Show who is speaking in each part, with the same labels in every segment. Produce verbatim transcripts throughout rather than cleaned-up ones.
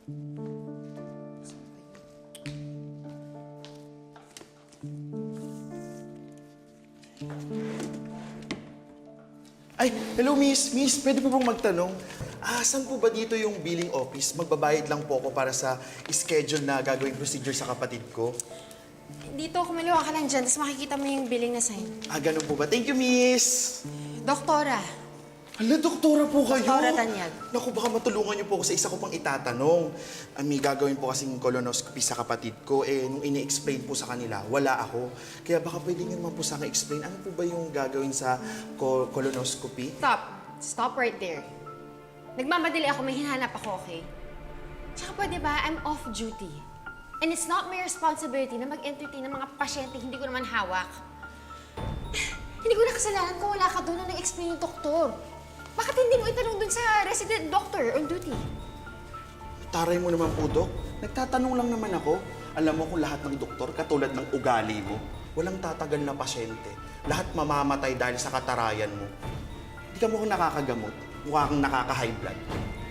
Speaker 1: Ay, hello miss. Miss, pwede po bang magtanong? Ah, saan po ba dito yung billing office? Magbabayad lang po ako para sa schedule na gagawing procedure sa kapatid ko.
Speaker 2: Dito, kumaliwa ka lang dyan, tapos makikita mo yung billing na sign.
Speaker 1: Ah, ganun po ba? Thank you, miss!
Speaker 2: Doktora.
Speaker 1: Hala, doktora po kayo!
Speaker 2: Doktora Tanyag.
Speaker 1: Naku, baka matulungan niyo po ako sa isa ko pang itatanong. Ah, may gagawin po kasing colonoscopy sa kapatid ko. Eh, nung ini-explain po sa kanila, wala ako. Kaya baka pwede niyo naman po sa akin explain, ano po ba yung gagawin sa co colonoscopy?
Speaker 2: Stop. Stop right there. Nagmamadali ako, may hinahanap ako, okay? Tsaka pwede ba, I'm off duty. And it's not my responsibility na mag-entertain ng mga pasyente hindi ko naman hawak. Hindi ko na kasalanan kung wala ka doon nung nag-explain yung doktor. Bakit hindi mo itanong doon sa resident doctor on duty?
Speaker 1: Taray mo naman po, Dok. Nagtatanong lang naman ako. Alam mo kung lahat ng doktor, katulad ng ugali mo, walang tatagal na pasyente. Lahat mamamatay dahil sa katarayan mo. Hindi ka mo kung nakakagamot. Mukha kang nakaka-high blood.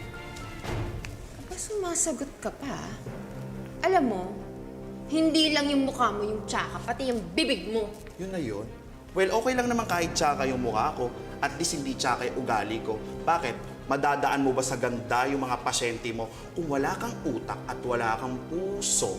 Speaker 2: Ba sumasagot ka pa? Alam mo, hindi lang yung mukha mo yung tsaka, pati yung bibig mo.
Speaker 1: Yun na yun. Well, okay lang naman kahit tsaka yung mukha ko. At least hindi tsaka yung ugali ko. Bakit? Madadaan mo ba sa ganda yung mga pasyente mo kung wala kang utak at wala kang puso?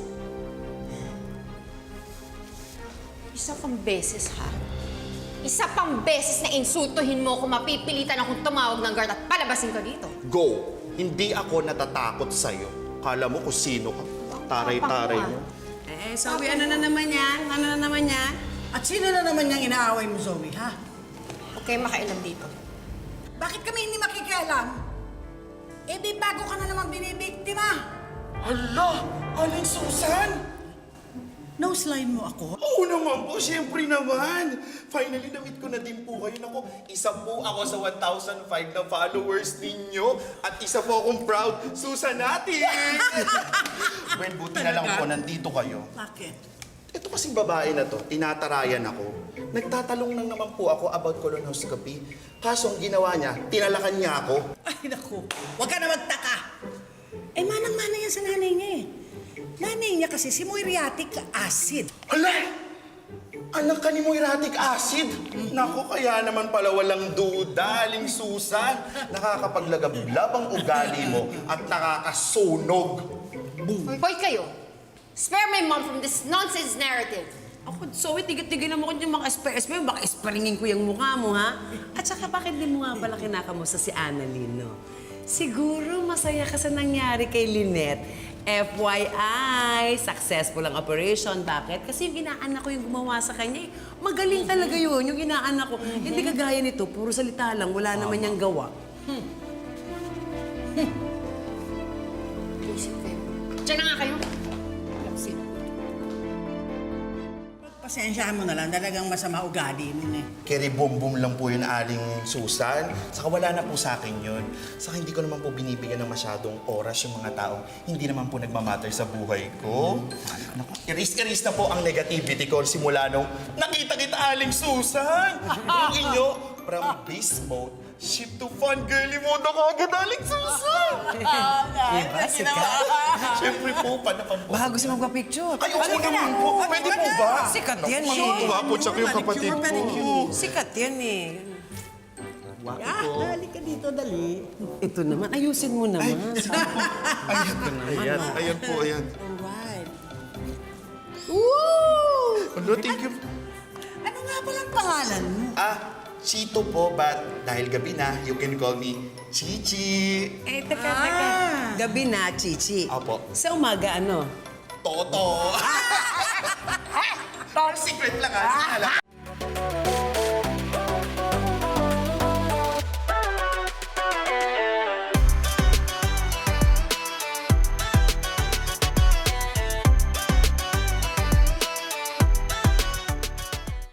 Speaker 2: Isa pang beses, ha? Isa pang beses na insultuhin mo kung mapipilitan akong tumawag ng guard at palabasin ka dito.
Speaker 1: Go! Hindi ako natatakot sa'yo. Kala mo kung sino ka. Taray-taray mo.
Speaker 3: Eh, Zoe, ano na naman yan? Ano na naman yan?
Speaker 4: At sino na naman niyang inaaway mo, Zoe, ha?
Speaker 2: Okay, makailan dito.
Speaker 4: Bakit kami hindi makikialam? Eh, di bago ka na naman binibiktima.
Speaker 1: Hala! Aling Susan!
Speaker 4: Nose-line mo ako?
Speaker 1: Oo naman po, siyempre naman. Finally, na-meet ko na din po kayo. Naku, isa po ako sa one thousand five na followers ninyo. At isa po akong proud Susanatis! Well, buti na lang po, nandito kayo.
Speaker 4: Bakit?
Speaker 1: Ito kasing babae na to, tinatarayan ako. Nagtatalong lang naman po ako about colonoscopy. Kaso ang ginawa niya, tinalakan niya ako.
Speaker 4: Ay, naku. Huwag ka na magtaka. Eh, manang-mana yan sa nanay niya eh. Nanay niya kasi si muriatic acid.
Speaker 1: Hala! Anak ka ni Moiratic acid? Naku, kaya naman pala walang duda, Aling Susan. Nakakapaglagablab ang ugali mo at nakakasunog.
Speaker 2: Hoy kayo! Spare my mom from this nonsense narrative!
Speaker 3: Ako, Zoe, tigit-tigilan mo ko yung mga espres mo. Baka esparingin ko yung mukha mo, ha? At saka, bakit di mo nga pala kinakamusta si Annalyn, no? Siguro masaya ka sa nangyari kay Lynette. F Y I, successful ang operation. Bakit? Kasi yung inaanak ko yung gumawa sa kanya. Eh. Magaling talaga yun, yung inaanak ko. Mm-hmm. Hindi kagaya nito, puro salita lang, wala oh. naman niyang gawa. Hmm.
Speaker 2: Isip kayo. Diyan na nga kayo. Lapsin.
Speaker 4: Pasensyahan mo na lang, talagang masama ugali mo eh.
Speaker 1: Keri boom-boom lang po yun, Aling Susan. Saka wala na po sa akin yun. Saka hindi ko naman po binibigyan ng masyadong oras yung mga taong hindi naman po nagmamatter sa buhay ko. Naku, iris-iris na po ang negativity ko simula nung nakita kita, Aling Susan! Yung inyo, from beast mode, shift to fun girly mode ako agad, Aling Susan!
Speaker 3: Diba, sikat?
Speaker 1: Siyempre po, panapan po.
Speaker 3: Baka gusto magpa-picture.
Speaker 1: Ay, oo naman po. Pwede po ba?
Speaker 3: Sikat yan eh.
Speaker 1: Matutuwa po, tsaka yung kapatid ko.
Speaker 3: Sikat yan eh.
Speaker 4: Ah, dali ka dito, dali.
Speaker 3: Ito naman, ayusin mo naman.
Speaker 1: Ayan, ayan, ayan po, ayan.
Speaker 4: Alright.
Speaker 3: Woo!
Speaker 1: Ano, thank you.
Speaker 4: Ano nga palang pangalan mo?
Speaker 1: Ah, Chito po, but dahil gabi na, you can call me Chichi.
Speaker 3: Eh, teka, teka. Gabi na, Chichi.
Speaker 1: Opo.
Speaker 3: Sa umaga, ano?
Speaker 1: Toto. Secret lang, ha?